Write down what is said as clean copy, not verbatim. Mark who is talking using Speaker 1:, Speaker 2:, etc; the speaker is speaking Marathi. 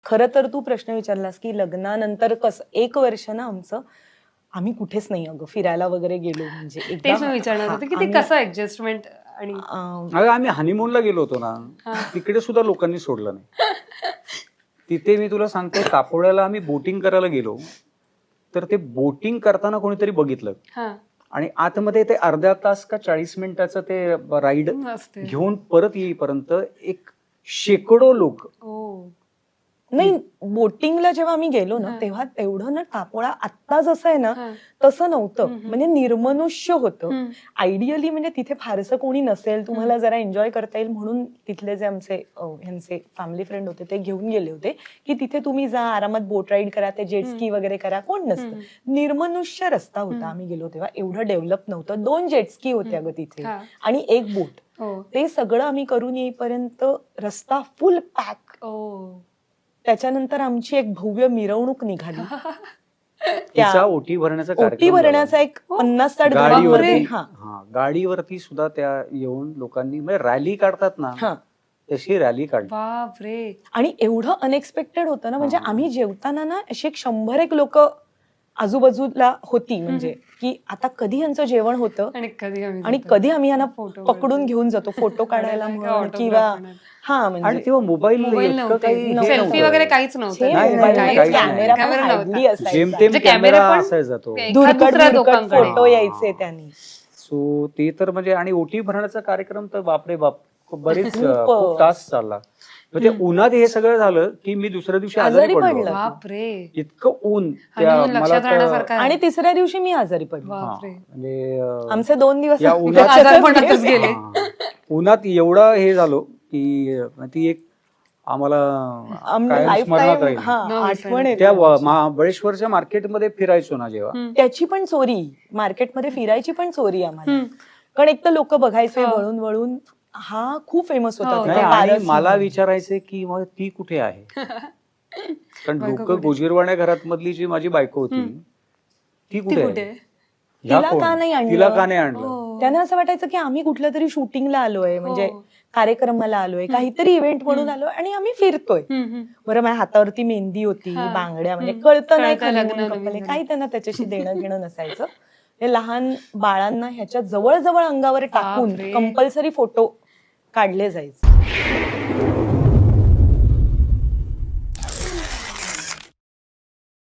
Speaker 1: खरं तर तू प्रश्न विचारलास की लग्नानंतर कसं 1 वर्ष ना आमचं आम्ही कुठेच नाही अगं फिरायला वगैरे गेलो म्हणजे
Speaker 2: तेच मी विचारणार होते की ते कसं ऍडजस्टमेंट आणि
Speaker 3: अगं आम्ही हनीमूनला गेलो होतो ना, तिकडे सुद्धा लोकांनी सोडलं नाही. तिथे मी तुला सांगतो, कापोड्याला आम्ही बोटिंग करायला गेलो, तर ते बोटिंग करताना कोणीतरी बघितलं
Speaker 2: हा
Speaker 3: आणि आतमध्ये ते अर्धा तास का 40 मिनिटाचं ते राईड
Speaker 2: असते.
Speaker 3: घेऊन परत येईपर्यंत एक शेकडो लोक.
Speaker 2: ओ
Speaker 1: नाही बोटिंगला जेव्हा आम्ही गेलो ना तेव्हा तेवढं ना कापोळा आत्ता जसं आहे ना तसं नव्हतं. म्हणजे निर्मनुष्य होतं. आयडियली म्हणजे तिथे फारसं कोणी नसेल, तुम्हाला जरा एन्जॉय करता येईल म्हणून तिथले जे आमचे ह्यांचे फॅमिली फ्रेंड होते ते घेऊन गेले होते की तिथे तुम्ही जा, आरामात बोट राईड करा, ते जेट स्की वगैरे करा, कोण नसतं. निर्मनुष्य रस्ता होता आम्ही गेलो तेव्हा. एवढं डेव्हलप नव्हतं. 2 जेट स्की होते अगं तिथे आणि 1 बोट. ते सगळं आम्ही करून येईपर्यंत रस्ता फुल पॅक. त्याच्यानंतर आमची एक भव्य मिरवणूक निघाली.
Speaker 3: तिचा ओटी भरण्याचा
Speaker 1: ओटी
Speaker 3: कार्यक्रम
Speaker 1: भरण्याचा एक 50-60
Speaker 3: गाडीवरती. गाडीवरती सुद्धा त्या येऊन लोकांनी म्हणजे रॅली काढतात ना, तशी रॅली काढली.
Speaker 2: बापरे.
Speaker 1: आणि एवढं अनएक्सपेक्टेड होतं ना, म्हणजे आम्ही जेवताना ना अशी 100 लोक आजूबाजूला होती. म्हणजे की आता कधी यांचं जेवण होतं आणि कधी आम्ही यांना पकडून घेऊन जातो फोटो काढायला म्हणून किंवा
Speaker 3: आणि
Speaker 1: म्हणजे
Speaker 3: तेव्हा मोबाईल
Speaker 2: सेल्फी वगैरे काहीच
Speaker 3: जेमतेम कॅमेरा असायचा तो.
Speaker 1: फोटो यायचे त्यांनी.
Speaker 3: सो ते तर म्हणजे आणि ओटी भरण्याचा कार्यक्रम तर बापरे बाप बरेच खूप तास चालला. ते उन्हात हे सगळं झालं की मी दुसऱ्या दिवशी आजारी पडलो.
Speaker 2: बापरे.
Speaker 3: इतकं ऊन.
Speaker 1: आणि तिसऱ्या दिवशी मी आजारी पडलो.
Speaker 3: म्हणजे
Speaker 1: आमचे 2 दिवस
Speaker 2: गेले.
Speaker 3: उन्हात एवढं हे झालो की ती एक आम्हाला
Speaker 1: आठवण आहे.
Speaker 3: त्या महाबळेश्वरच्या मार्केटमध्ये फिरायचो ना जेव्हा,
Speaker 1: त्याची पण चोरी, मार्केटमध्ये फिरायची पण चोरी आम्हाला. कारण एक तर लोक बघायचे वळून वळून. हा खूप फेमस होता.
Speaker 3: आणि मला विचारायचे की मग ती कुठे आहे. कारण लोक गोजीरवाण्या घरात मधली जी माझी बायको होती ती कुठे आहे,
Speaker 1: तिला का नाही
Speaker 3: आणलं.
Speaker 1: त्यांना असं वाटायचं की आम्ही कुठल्या तरी शूटिंगला आलोय, म्हणजे कार्यक्रमाला आलोय, काहीतरी इव्हेंट म्हणून आलोय आणि आम्ही फिरतोय. बरं, माझ्या हातावरती मेहंदी होती, बांगड्या, म्हणजे कळतं नाही काही त्यांना त्याच्याशी देणं घेणं नसायचं. हे लहान बाळांना ह्याच्या जवळ अंगावर टाकून कंपल्सरी फोटो काढले जायचे.